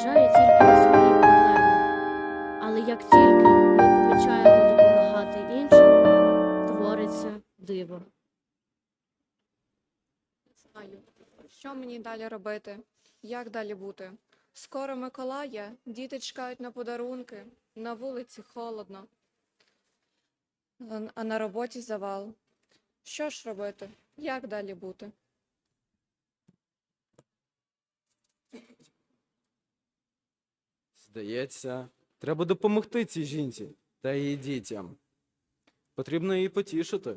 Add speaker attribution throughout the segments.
Speaker 1: зважає тільки на свої проблеми. Але як тільки ми помічаємо допомагати іншим, твориться диво.
Speaker 2: Не знаю, що мені далі робити, як далі бути. Скоро Миколая, діти чекають на подарунки, на вулиці холодно, а на роботі завал. Що ж робити? Як далі бути?
Speaker 3: Здається, треба допомогти цій жінці та її дітям. Потрібно її потішити.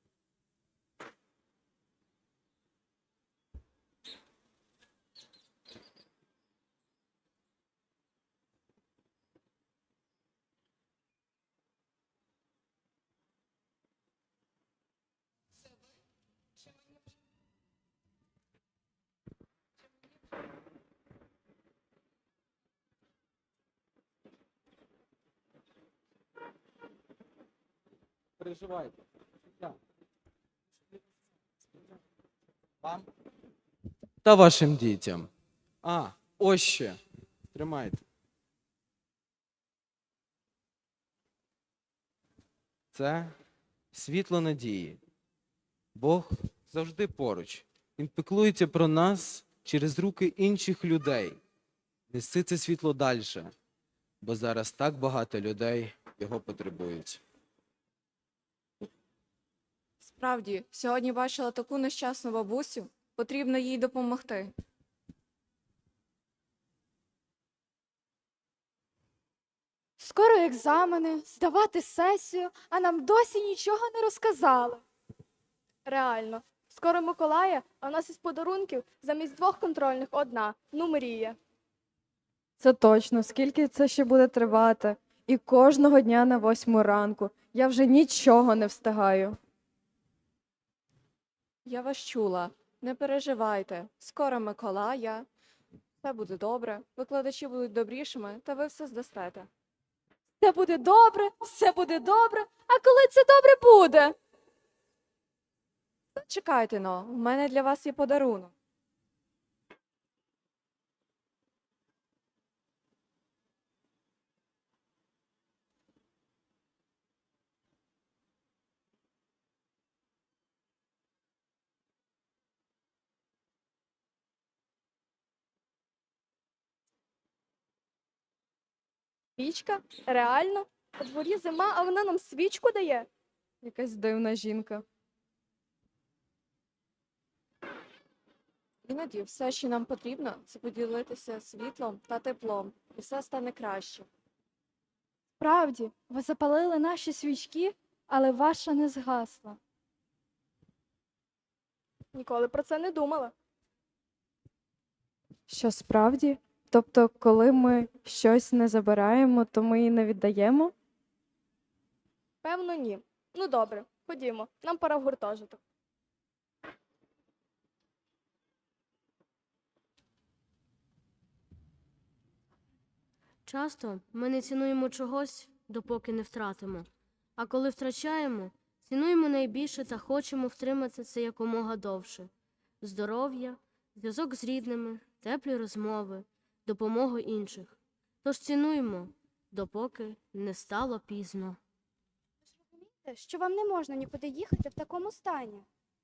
Speaker 3: Переживайте. Вам? Та вашим дітям. А, ось ще. Тримайте. Це світло надії. Бог завжди поруч. Він піклується про нас через руки інших людей. Неси це світло далі, бо зараз так багато людей його потребують.
Speaker 2: Справді, сьогодні бачила таку нещасну бабусю, потрібно їй допомогти.
Speaker 4: Скоро екзамени, здавати сесію, а нам досі нічого не розказали. Реально, скоро Миколая, а в нас із подарунків замість 2 контрольних 1. Ну, мрія.
Speaker 5: Це точно. Скільки це ще буде тривати? І кожного дня на 8 ранку. Я вже нічого не встигаю.
Speaker 2: Я вас чула, не переживайте. Скоро Миколая, все буде добре, викладачі будуть добрішими, та ви все здасте.
Speaker 4: Все буде добре, все буде добре. А коли це добре буде?
Speaker 2: Чекайте но, в мене для вас є подарунок.
Speaker 4: Свічка? Реально? У дворі зима, а вона нам свічку дає?
Speaker 5: Якась дивна жінка.
Speaker 2: Іноді все, що нам потрібно, це поділитися світлом та теплом, і все стане краще.
Speaker 4: Справді, ви запалили наші свічки, але ваша не згасла. Ніколи про це не думала.
Speaker 5: Що справді? Тобто, коли ми щось не забираємо, то ми і не віддаємо?
Speaker 4: Певно, ні. Ну добре, ходімо, нам пора в гуртожиток.
Speaker 1: Часто ми не цінуємо чогось, допоки не втратимо. А коли втрачаємо, цінуємо найбільше та хочемо втримати це якомога довше. Здоров'я, зв'язок з рідними, теплі розмови, допомогу інших. Тож цінуємо, допоки не стало пізно.
Speaker 4: Що вам не можна нікуди їхати в такому стані?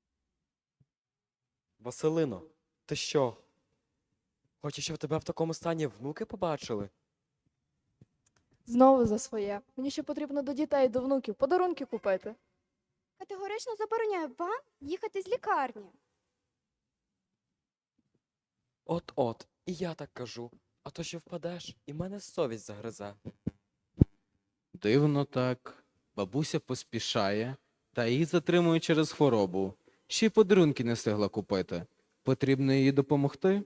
Speaker 6: Василино, ти що? Хочеш, щоб тебе в такому стані внуки побачили?
Speaker 4: Знову за своє. Мені ще потрібно до дітей, до внуків подарунки купити.
Speaker 7: Категорично забороняю вам їхати з лікарні.
Speaker 6: От-от, і я так кажу. А то ще впадеш, і мене совість загризе.
Speaker 3: Дивно так. Бабуся поспішає, та її затримує через хворобу. Ще й подарунки не встигла купити. Потрібно їй допомогти?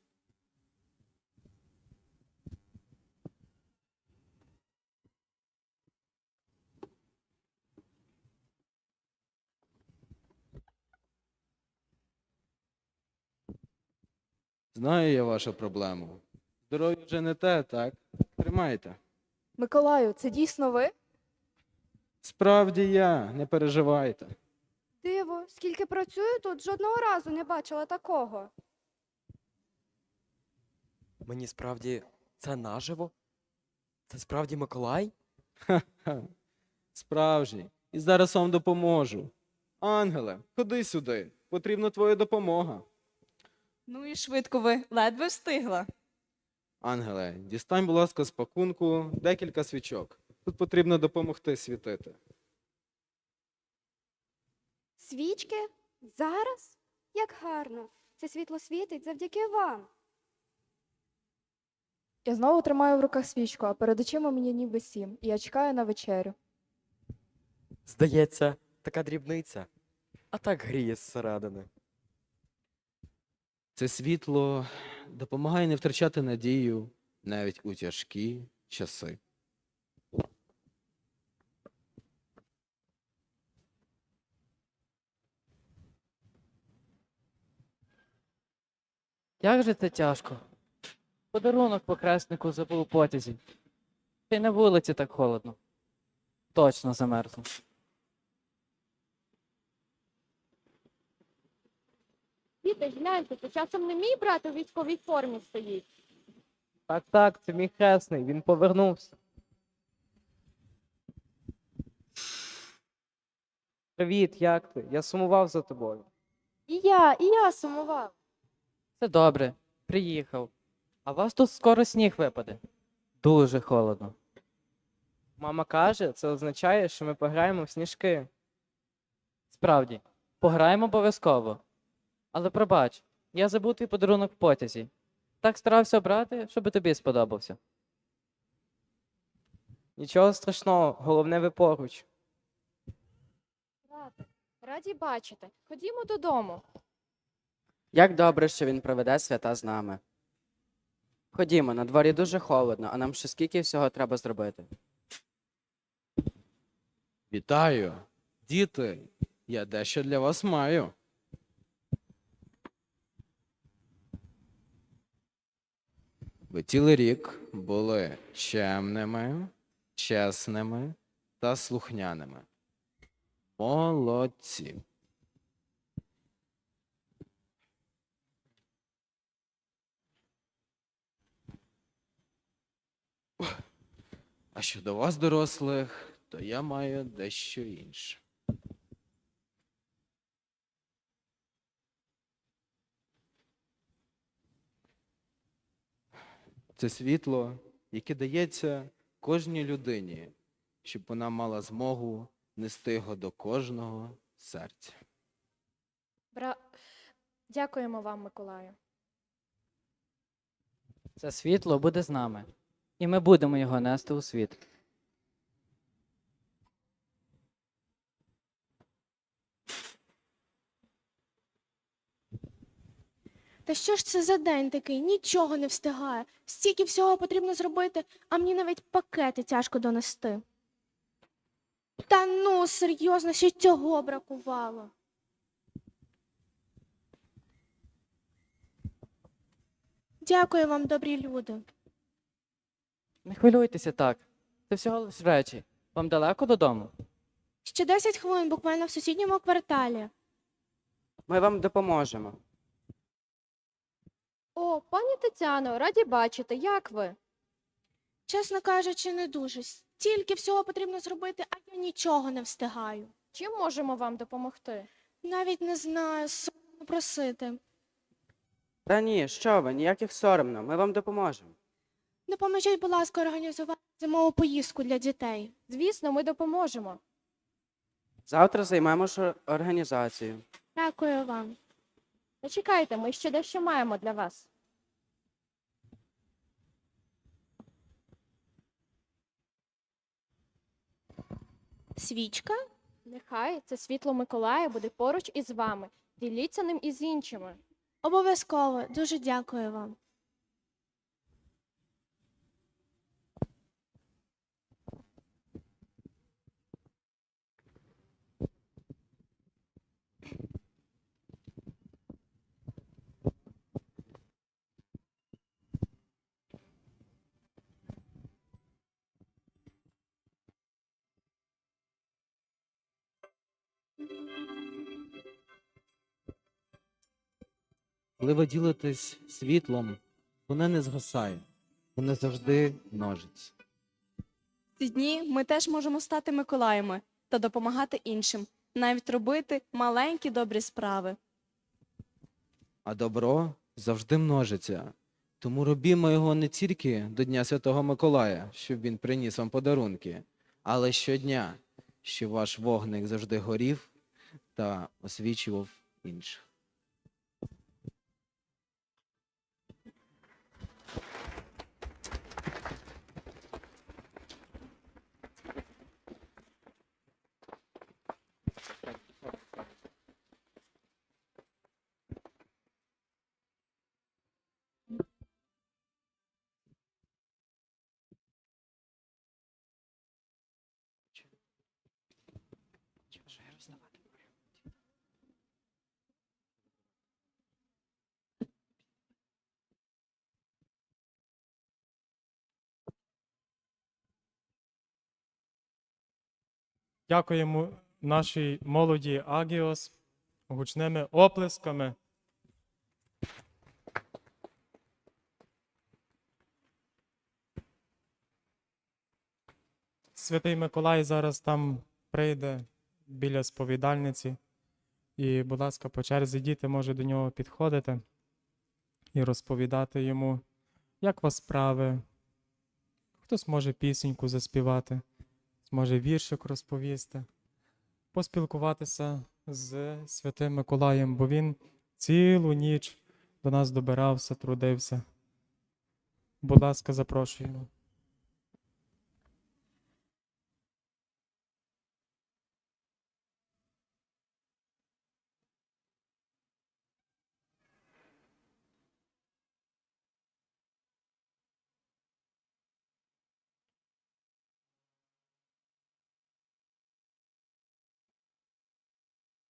Speaker 3: Знаю я вашу проблему. Здоров'я вже не те, так? Тримайте.
Speaker 4: Миколаю, це дійсно ви?
Speaker 3: Справді я, не переживайте.
Speaker 7: Диво, скільки працюю тут, жодного разу не бачила такого.
Speaker 6: Мені справді Це наживо? Це справді Миколай?
Speaker 3: Ха, справжній. І зараз вам допоможу. Ангеле, ходи сюди. Потрібна твоя допомога.
Speaker 8: Ну і швидко ви, ледве встигла.
Speaker 3: Ангеле, дістань, будь ласка, з пакунку декілька свічок. Тут потрібно допомогти світити.
Speaker 7: Свічки? Зараз? Як гарно. Це світло світить завдяки вам.
Speaker 5: Я знову тримаю в руках свічку, а перед очима мені ніби 7, і я чекаю на вечерю.
Speaker 6: Здається, така дрібниця. А так гріє зсередини.
Speaker 3: Це світло допомагає не втрачати надію навіть у тяжкі часи.
Speaker 9: Як же це тяжко? Подарунок похреснику забув у потязі. Та й на вулиці так холодно. Точно замерзну.
Speaker 4: Діти, гляньте, це часом не мій брат у військовій формі стоїть.
Speaker 9: Так, це мій хресний, він повернувся. Привіт, як ти? Я сумував за тобою.
Speaker 4: І я сумував.
Speaker 9: Це добре, приїхав. А у вас тут скоро сніг випаде. Дуже холодно. Мама каже, це означає, що ми пограємо в сніжки. Справді, пограємо обов'язково. Але пробач, я забув твій подарунок в потязі. Так старався обрати, щоб тобі сподобався. Нічого страшного, головне ви поруч.
Speaker 4: Раді бачити. Ходімо додому.
Speaker 10: Як добре, що він проведе свята з нами. Ходімо, на дворі дуже холодно, а нам ще скільки всього треба зробити.
Speaker 3: Вітаю! Діти, я дещо для вас маю. Ви цілий рік були чемними, чесними та слухняними. Молодці. А щодо вас, дорослих, то я маю дещо інше. Це світло, яке дається кожній людині, щоб вона мала змогу нести його до кожного серця.
Speaker 4: Дякуємо вам, Миколаю.
Speaker 9: Це світло буде з нами. І ми будемо його нести у світ.
Speaker 11: Та що ж це за день такий? Нічого не встигає. Стільки всього потрібно зробити, а мені навіть пакети тяжко донести. Та ну, серйозно, ще й цього бракувало. Дякую вам, добрі люди.
Speaker 9: Не хвилюйтеся так. Це всього лиш речі. Вам далеко додому?
Speaker 11: Ще 10 хвилин буквально в сусідньому кварталі.
Speaker 10: Ми вам допоможемо.
Speaker 4: О, пані Тетяно, раді бачити. Як ви?
Speaker 11: Чесно кажучи, не дуже. Стільки всього потрібно зробити, а я нічого не встигаю.
Speaker 4: Чим можемо вам допомогти?
Speaker 11: Навіть не знаю, соромно просити.
Speaker 10: Та ні, що ви, ніяких соромно, ми вам допоможемо.
Speaker 11: Допоможіть, будь ласка, організувати зимову поїздку для дітей.
Speaker 4: Звісно, ми допоможемо.
Speaker 10: Завтра займемося організацією.
Speaker 11: Дякую вам.
Speaker 4: Почекайте, ми ще дещо маємо для вас.
Speaker 11: Свічка?
Speaker 4: Нехай це світло Миколая буде поруч із вами. Діліться ним із іншими.
Speaker 11: Обов'язково. Дуже дякую вам.
Speaker 3: Коли ви ділитесь світлом, воно не згасає. вони завжди множаться.
Speaker 8: Ці дні ми теж можемо стати Миколаями та допомагати іншим, навіть робити маленькі добрі справи.
Speaker 3: А добро завжди множиться. Тому робімо його не тільки до Дня Святого Миколая, щоб він приніс вам подарунки, але щодня, щоб ваш вогник завжди горів та освічував інших.
Speaker 12: Дякуємо нашій молоді Агіос гучними оплесками. Святий Миколай зараз там прийде біля сповідальниці. І, будь ласка, по черзі діти може до нього підходити і розповідати йому, як у вас справи. Хтось може пісеньку заспівати, зможе віршик розповісти, поспілкуватися з Святим Миколаєм, бо він цілу ніч до нас добирався, трудився. Будь ласка, запрошуємо.